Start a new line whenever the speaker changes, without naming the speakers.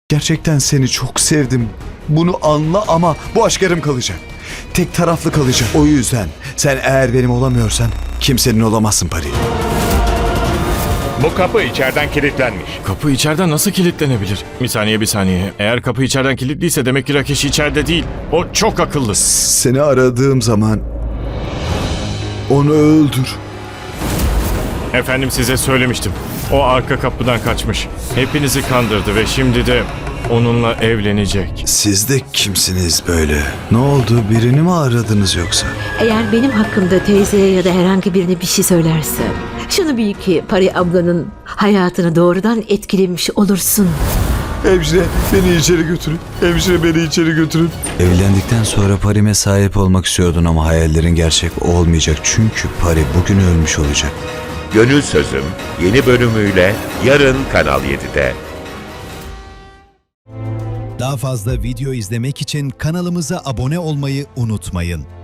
Gerçekten seni çok sevdim. Bunu anla ama bu aşk yarım kalacak. Tek taraflı kalacak. O yüzden sen eğer benim olamıyorsan kimsenin olamazsın Pari.
Bu kapı içeriden kilitlenmiş.
Kapı içeriden nasıl kilitlenebilir? Bir saniye. Eğer kapı içeriden kilitliyse demek ki Rakesh içeride değil. O çok akıllı.
Seni aradığım zaman onu öldür.
Efendim size söylemiştim. O arka kapıdan kaçmış. Hepinizi kandırdı ve şimdi de onunla evlenecek.
Siz de kimsiniz böyle? Ne oldu? Birini mi aradınız yoksa?
Eğer benim hakkımda teyzeye ya da herhangi birine bir şey söylersen, şunu bil ki Pari ablanın hayatını doğrudan etkilemiş olursun.
Hemşire beni içeri götürün. Hemşire beni içeri götürün. Evlendikten sonra Pari'me sahip olmak istiyordun ama hayallerin gerçek olmayacak. Çünkü Pari bugün ölmüş olacak.
Gönül Sözüm yeni bölümüyle yarın Kanal 7'de.
Daha fazla video izlemek için kanalımıza abone olmayı unutmayın.